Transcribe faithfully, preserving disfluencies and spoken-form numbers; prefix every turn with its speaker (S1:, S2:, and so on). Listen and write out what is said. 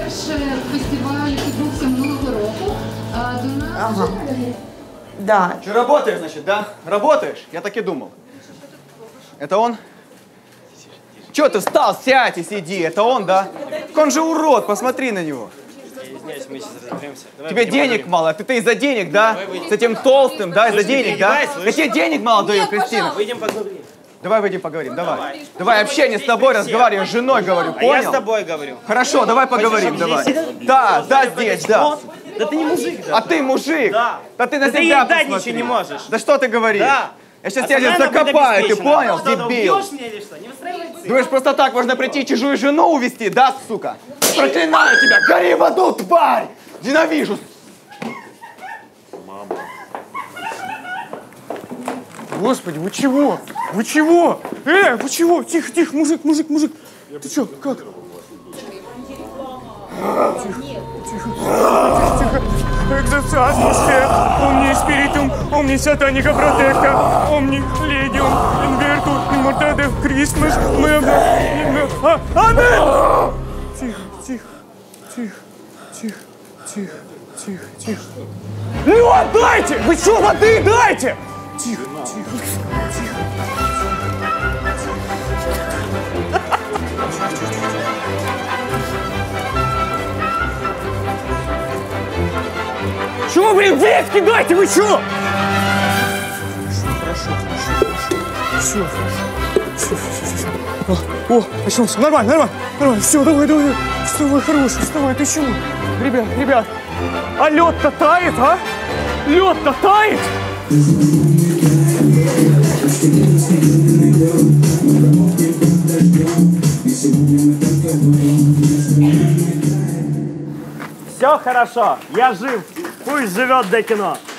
S1: фестиваль відбувся минулого року. До нас...
S2: Ага. Да.
S3: Что, работаешь, значит, да? Работаешь? Я так и думал. Это он? Че ты встал? Сядь и сиди. Это он, да? Он же урод, посмотри на него.
S4: Извиняюсь, мы сейчас разберемся.
S3: Тебе денег мало, ты-то из-за денег, да? С этим толстым, да, из-за денег, да? Я тебе денег мало даю, Кристина.
S4: Выйдем поговорим.
S3: Давай выйдем поговорим, давай. Давай общение с тобой разговариваю, с женой говорю,
S4: А я с
S3: понял?
S4: тобой говорю.
S3: Хорошо, давай поговорим, давай. Да, да, здесь, да.
S4: Да ты не мужик, да?
S3: А ты мужик?
S4: Да.
S3: Да ты на
S4: Да ты
S3: себя
S4: ей дать
S3: посмотри.
S4: ничего не можешь.
S3: Да что ты говоришь?
S4: Да.
S3: Я сейчас
S4: А
S3: тебя
S4: сама она будет
S3: закопаю, ты
S4: обеспечена.
S3: понял,
S4: Что, ты
S3: дебил?
S4: убьешь меня или что? Не устраивает цирк.
S3: Думаешь, просто так можно прийти и чужую жену увести, да, сука? Проклинаю тебя, гори в аду, тварь! Ненавижу!
S5: Мама. Господи, вы чего? Вы чего? Э, вы чего? Тихо, тихо, мужик, мужик, мужик. Ты что, как? Тихо, тихо, тихо, тихо. Экзорцизмусте, омни спиритум, омни сатаника протекта, омни ледиум, инверту, иммортаде, Christmas, мэвна, а, амин! Тихо, тихо, тихо, тихо, тихо, тихо, тихо. Ну отдайте! Вы что, воды дайте! Тихо, тихо, тихо. Чего, блин, виски дайте, вы чё? Хорошо, хорошо, хорошо. Все, все, все, все. О, о, очнулся. Нормально, нормально, нормально. Все, давай, давай. Вставай, хороший, вставай, ты чего? Ребят, ребят, а лед-то тает, а? Лед-то тает!
S4: Все хорошо, я жив. Пусть живет до кино.